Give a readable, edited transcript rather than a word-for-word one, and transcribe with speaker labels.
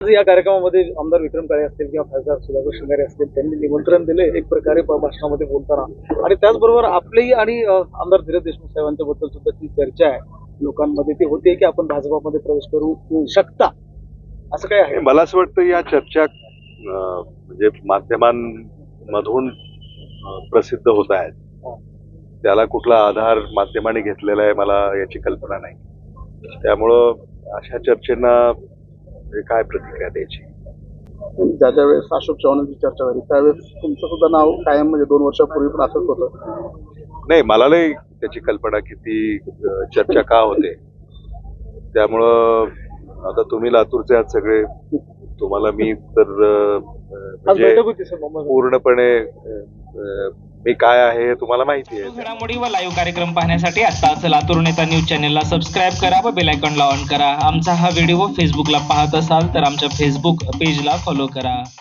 Speaker 1: या कार्यक्रमामध्ये आमदार विक्रम काळे असतील किंवा खासदार सुधाकर श्रृंगारे असतील, त्यांनी निमंत्रण दिले एक प्रकारे भाषणामध्ये बोलताना, आणि त्याचबरोबर आपलेही आणि आमदार धीरज देशमुख साहेबांच्या बद्दल सुद्धा ती चर्चा आहे लोकांमध्ये, ती होते की आपण भाजपामध्ये प्रवेश करू शकता, असं काय आहे?
Speaker 2: मला असं वाटतं या चर्चा म्हणजे माध्यमांमधून प्रसिद्ध होत आहेत. त्याला कुठला आधार माध्यमांनी घेतलेला आहे मला याची कल्पना नाही. त्यामुळं अशा चर्चेंना काय प्रतिक्रिया द्यायची?
Speaker 1: ज्या वेळेस अशोक चव्हाणांची चर्चा झाली त्यावेळेस तुमचं सुद्धा नाव कायम, म्हणजे 2 वर्षापूर्वी पण असंच होतं.
Speaker 2: नाही, मला नाही त्याची कल्पना की ती चर्चा का होते. त्यामुळं आता तुम्ही लातूरचे आहात सगळे, तुम्हाला मी तर म्हणजे पूर्णपणे मी काय आहे हे तुम्हाला माहिती आहे.
Speaker 3: घडामोडी व लाईव्ह कार्यक्रम पाहण्यासाठी आताच लातूर नेता न्यूज चॅनेलला सबस्क्राईब करा व बेल आयकॉनला ऑन करा. आमचा हा व्हिडिओ फेसबुकला पाहत असाल तर आमच्या फेसबुक पेजला फॉलो करा.